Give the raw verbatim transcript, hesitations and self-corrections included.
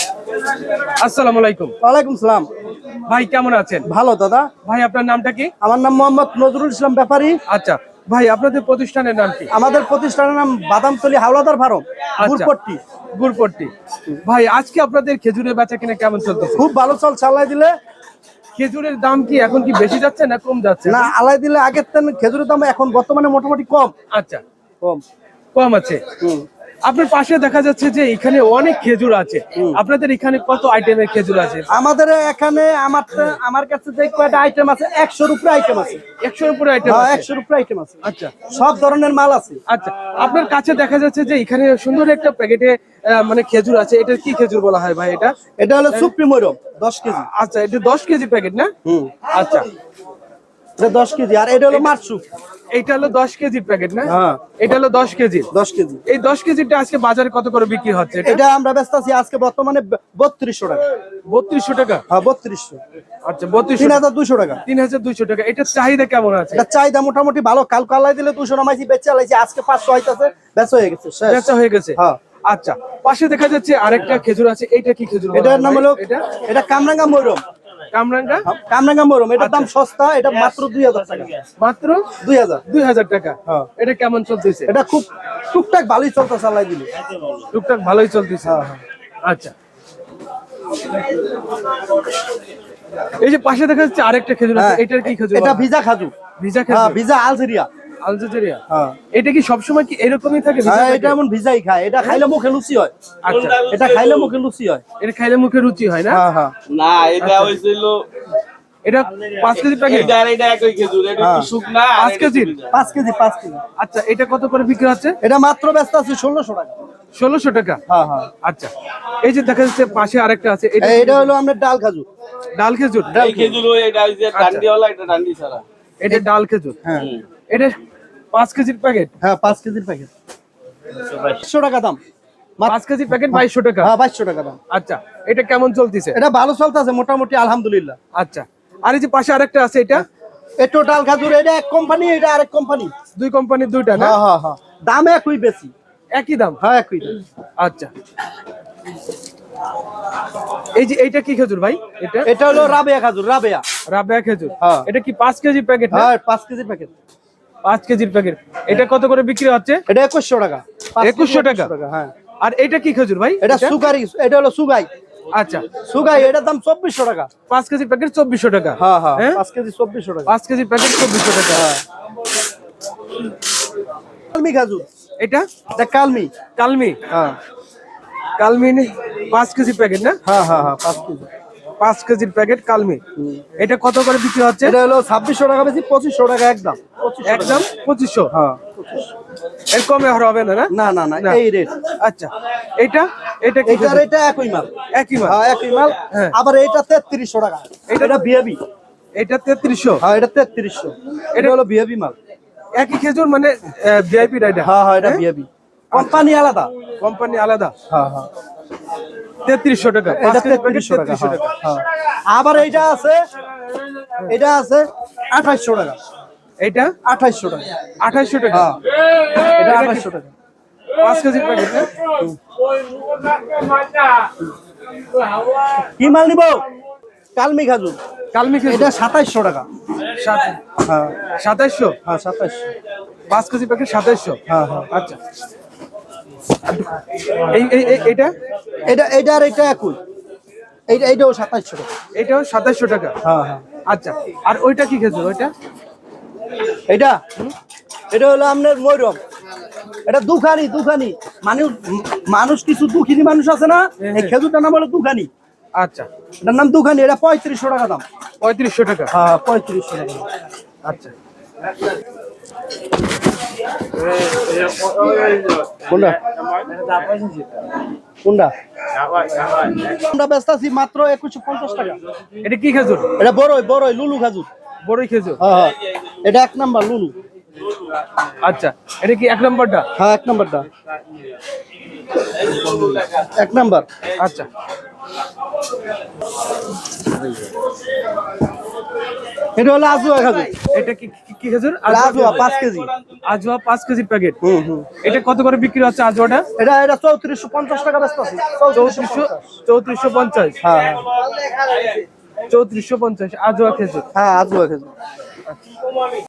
আসসালামু আলাইকুম। ওয়ালাইকুম সালাম। ভাই কেমন আছেন? ভালো দাদা। ভাই আপনার নামটা কি? আমার নাম মোহাম্মদ নজরুল ইসলাম ব্যাপারী। আচ্ছা ভাই, আপনাদের প্রতিষ্ঠানের নাম কি? আমাদের প্রতিষ্ঠানের নাম বাদামতলী হাওলাদার ফার্ম, গুরপট্টি। গুরপট্টি। ভাই আজকে আপনাদের খেজুরের বেচা কিনা কেমন চলতেছে? খুব ভালো চল চালাই দিলে। খেজুরের দাম কি এখন কি বেশি যাচ্ছে না কম যাচ্ছে? না, আলাই দিলে আগের তেন খেজুরের দাম এখন বর্তমানে মোটামুটি কম। আচ্ছা, কম কম আছে। আপনার পাশে দেখা যাচ্ছে যে এখানে অনেক খেজুর আছে। আপনাদের এখানে কত আইটেমের খেজুর আছে? আমাদের এখানে আমার আমার কাছে যে কয়টা আইটেম আছে, একশোর উপরে আইটেম আছে। একশোর উপরে আইটেম আছে? একশোর উপরে আইটেম আছে। আচ্ছা, সব ধরনের মাল আছে। আচ্ছা, আপনার কাছে দেখা যাচ্ছে যে এখানে সুন্দর একটা প্যাকেটে মানে খেজুর আছে। এটা কি খেজুর বলা হয় ভাই? এটা এটা হলো সুপ্রিমোরম দশ কেজি। আচ্ছা, এটা দশ কেজি প্যাকেট না? হুম, আচ্ছা, এটা দশ কেজি। আর এটা হলো মারসুক। এইটা হলো দশ কেজির প্যাকেট না? হ্যাঁ, এটা হলো দশ কেজি। দশ কেজি। এই দশ কেজিটা আজকে বাজারে কত করে বিক্রি হচ্ছে? এটা আমরা ব্যস্ত আছি আজকে বর্তমানে বত্রিশশো টাকা। বত্রিশশো টাকা? হ্যাঁ, বত্রিশশো। আচ্ছা, বত্রিশ তিন হাজার দুইশো টাকা। তিন হাজার দুইশো টাকা। এটার চাহিদা কেমন আছে? এটা চাহিদা মোটামুটি ভালো। কাল কালাই দিলে দুশো নামাইছি, বেচা লাইছি। আজকে পাঁচশো হইতাছে, বেচা হয়ে গেছে, বেচা হয়ে গেছে। হ্যাঁ। আচ্ছা, পাশে দেখা যাচ্ছে আরেকটা খেজুর আছে। এইটা কি খেজুর? এটার নাম হলো এটা এটা কামরাঙ্গা ময়রম। কামরাঙ্গা? কামরাঙ্গা ময়রম। এটার দাম সস্তা। এটা মাত্র দুই হাজার টাকা। মাত্র দুই হাজার দুই হাজার টাকা। হ্যাঁ। এটা কেমন চলতেছে? এটা খুব টুকটাক ভালোই চলতে চালাই দিলে। টুকটাক ভালোই চলতেছে। হ্যাঁ, হ্যাঁ। আচ্ছা, এই যে পাশে দেখা যাচ্ছে আরেকটা খেজুর আছে। এটার কি খেজুর? এটা ভিজা খাজুর। ভিজা হ্যাঁ, খেজুর। ভিজা আলজেরিয়া। আলজেরিয়া? হ্যাঁ। এটা কি সবসময় কি এরকমই থাকে? হ্যাঁ, এটা এমন ভিজাই খায়। এটা খাইলে মুখে লুচি হয়। আচ্ছা, এটা খাইলে মুখে লুচি হয়। এটা খাইলে মুখে রুচি হয় না? হ্যাঁ, হ্যাঁ। না, এটা হইছিল এটা পাঁচ কেজি প্যাকেট? এটা এটা একই খেজুর, এটা একটু শুকনা। পাঁচ কেজি? পাঁচ কেজি, পাঁচ কেজি। আচ্ছা, এটা কত করে বিক্রি হচ্ছে? এটা মাত্র ব্যস্ত আছে ষোলোশো টাকা। ষোলোশো টাকা? হ্যাঁ, হ্যাঁ। আচ্ছা, এই যে দেখা যাচ্ছে পাশে আরেকটা আছে। এটা এটা হলো আমাদের ডাল খাজুর। ডাল খেজুর? এই খেজুর ওই এটা হইছে ডান্ডিওয়ালা, এটা ডান্ডি ছাড়া। এটা ডাল খেজুর। হ্যাঁ, এটা পাঁচ কেজির প্যাকেট? হ্যাঁ, পাঁচ কেজির প্যাকেট। বাইশশো টাকা দাম। পাঁচ কেজির প্যাকেট বাইশশো টাকা? হ্যাঁ, বাইশশো টাকা দাম। আচ্ছা, এটা কেমন চলতেছে? এটা ভালো চলতেছে মোটামুটি, আলহামদুলিল্লাহ। আচ্ছা, আর এই যে পাশে আরেকটা আছে, এটা এটা ডাল খাজুর। এটা এক কোম্পানি, এটা আরেক কোম্পানি। দুই কোম্পানির দুইটা না? হ্যাঁ, হ্যাঁ, হ্যাঁ। দাম একই, বেশি একই দাম? হ্যাঁ, একই দাম। আচ্ছা, এই যে এইটা কি খেজুর ভাই? এটা এটা হলো রাবেয়া খাজুর। রাবেয়া রাবেয়া খেজুর। হ্যাঁ। এটা কি পাঁচ কেজি প্যাকেট? হ্যাঁ, পাঁচ কেজির প্যাকেট। পাঁচ কেজির প্যাকেট। এটা কত করে বিক্রি হচ্ছে? এটা একুশশো টাকা। একুশশো টাকা? হ্যাঁ। আর এটা কি খেজুর ভাই? এটা সুগারি। এটা হলো সুগাই। আচ্ছা, সুগাই। এটার দাম চব্বিশশো টাকা। পাঁচ কেজি প্যাকেট চব্বিশশো টাকা? হ্যাঁ, হ্যাঁ, পাঁচ কেজি চব্বিশশো টাকা। পাঁচ কেজি প্যাকেট চব্বিশশো টাকা। কালমি খাজুর। এটা এটা কালমি। কালমি? হ্যাঁ, কালমি পাঁচ কেজি প্যাকেট না? হ্যাঁ, হ্যাঁ, হ্যাঁ, পাঁচ কেজি। পাঁচ কেজির প্যাকেট কালমি। এটা কত করে বিক্রি হচ্ছে? এটা হলো ছাব্বিশশো টাকা বেশি, পঁচিশশো টাকা একদম। একদম পঁচিশশো? হ্যাঁ, এর কমে আর হবে না? না না, না, না, এই রেট। আচ্ছা, এটা এটা কি? এটার এটা একই মাল। একই মাল? হ্যাঁ, একই মাল। হ্যাঁ। আবার এটা তেত্রিশশো টাকা। এটা- এটা বিএবি। এটা তেত্রিশশো? হ্যাঁ, এটা তেত্রিশশো। এটা হলো বিএবি মাল। একই খেজুর মানে ভিআইপি রাইডার? হ্যাঁ, হ্যাঁ, এটা বিএবি। কোম্পানি আলাদা। কোম্পানি আলাদা? হ্যাঁ, হ্যাঁ। তেত্রিশশো টাকা? এটা তেত্রিশশো টাকা। হ্যাঁ। আবার এইটা আছে, এটা আছে আঠাইশশো টাকা। এটা আঠাইশশো টাকা। আঠাইশশো টাকা? হ্যাঁ, এটা আঠাইশশো টাকা। পাঁচ কেজির প্যাকেট না? কি মাল নিব? কালমি খাজুর। কালমি খেজুর? এটা সাতাইশশো টাকা। সাত- হ্যাঁ, সাতাইশশো? হ্যাঁ, সাতাইশশো। পাঁচ কেজি প্যাকেট সাতাইশশো? হ্যাঁ, হ্যাঁ। আচ্ছা, এই এই এই- এইটা এটা এটা আর এটা একই। এইটা এইটাও সাতাইশশো টাকা। এটাও সাতাইশশো টাকা? হ্যাঁ, হ্যাঁ। আচ্ছা, আর ওইটা কি খেজুর? ওইটা এটা এটা হলো আপনার ময়রম। এটা দুখানি। দুখানি মানুষ মানুষ কিছু দুঃখিনী মানুষ আছে না, এই খেজুরটার নাম হলো দুখানি। আচ্ছা, এটার নাম দুখানি। এটা পঁয়ত্রিশশো টাকা দাম। পঁয়ত্রিশশো টাকা? হ্যাঁ, পঁয়ত্রিশশো টাকা। আচ্ছা, কোনটা কোনটা আমরা ব্যস্ত আছি মাত্র একুশশো পঞ্চাশ টাকা। এটা কি খেজুর? এটা বড়ই। বড়ই লুলু খাজুর। বড়ই খেজুর? হ্যাঁ, হ্যাঁ। এটা এক নাম্বার লুলু। আচ্ছা, এটা কি এক নম্বরটা? হ্যাঁ, এক নাম্বারটা এক নাম্বার। আচ্ছা, এটা হলো আজুয়া খেজুর। এটা কি কি- কি খেজুর? এটা আজুয়া পাঁচ কেজি। আজওয়া পাঁচ কেজি প্যাকেট। হুম হুম। এটা কত করে বিক্রি হচ্ছে আজওয়াটা? এটা এটা চৌত্রিশশো পঞ্চাশ টাকা ব্যস্ত আছে। চৌত্রিশশো চৌত্রিশশো পঞ্চাশ। হ্যাঁ হ্যাঁ চৌত্রিশশো পঞ্চাশ আজওয়া খেজুর। হ্যাঁ আজুয়া খেজুর।